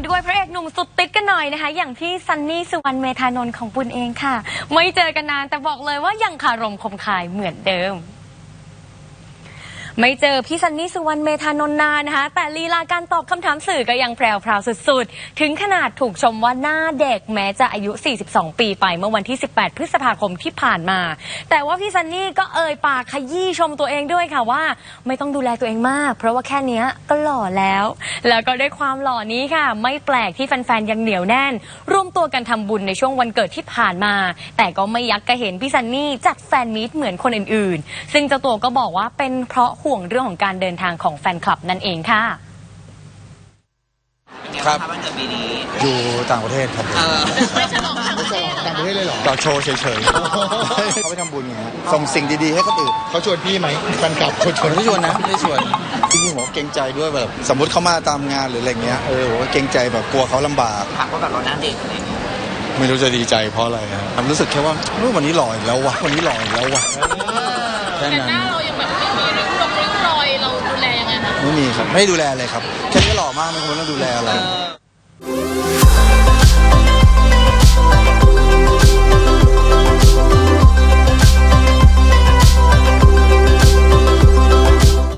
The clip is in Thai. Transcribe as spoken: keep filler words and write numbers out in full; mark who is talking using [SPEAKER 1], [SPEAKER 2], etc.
[SPEAKER 1] ด้วยพระเอกหนุ่มสุดติ๊ดกันหน่อยนะคะอย่างพี่ซันนี่สุวรรณเมธานนท์ของปุณเองค่ะไม่เจอกันนานแต่บอกเลยว่ายังคารมคมคายเหมือนเดิมไม่เจอพี่ซันนี่สุวรรณเมธานนท์นานนะคะแต่ลีลาการตอบคำถามสื่อก็ยังแพรวๆสุดๆถึงขนาดถูกชมว่าหน้าเด็กแม้จะอายุสี่สิบสองปีไปเมื่อวันที่สิบแปดพฤษภาคมที่ผ่านมาแต่ว่าพี่ซันนี่ก็เอ่ยปากขยี้ชมตัวเองด้วยค่ะว่าไม่ต้องดูแลตัวเองมากเพราะว่าแค่นี้ก็หล่อแล้วแล้วก็ด้วยความหล่อนี้ค่ะไม่แปลกที่แฟนๆยังเหนียวแน่นร่วมตัวกันทำบุญในช่วงวันเกิดที่ผ่านมาแต่ก็ไม่ยักกระเห็นพี่ซันนี่จัดแฟนมีตเหมือนคนอื่นๆซึ่งเจ้าตัวก็บอกว่าเป็นเพราะห่วงเรื่องของการเดินทางของแฟนคลับนั่นเองค่ะ
[SPEAKER 2] ครับวันเกิดปีนี้อยู่ต่างประเทศครับ
[SPEAKER 3] ไม่ฉลองต่างประเทศต่างประเทศเลยเหรอ
[SPEAKER 2] ก็โชว์เฉยๆเขาไปทำบุญไงฮะส่งสิ่งดีๆให้คนอื่น
[SPEAKER 3] เขาชวนพี่ไหมแฟนคลับชวน
[SPEAKER 2] ไม่ชวนนะไม่ชวนจริงๆผมเกรงใจด้วยแบบสมมติเขามาตามงานหรืออะไรเงี้ยเออผมเกรงใจแบบกลัวเขาลำบาก
[SPEAKER 4] ถามว่าแบบเราหน้าเด็กอะไรเงี้ย
[SPEAKER 2] ไม่รู้จะดีใจเพราะอะไรครับรู้สึกแค่ว่าวันนี้หล่ออีกแล้ววะวันนี้หล่ออีกแล้ววะ
[SPEAKER 5] แต่หน้าเรายังแบบไม่มีริ้วรอยริ้วรอยเราดูแลยังไงคะ
[SPEAKER 2] ไม่มีครับไม่ดูแลเลยครับแค่นี้หล่อมากไม่ควรต้องดูแลอะไร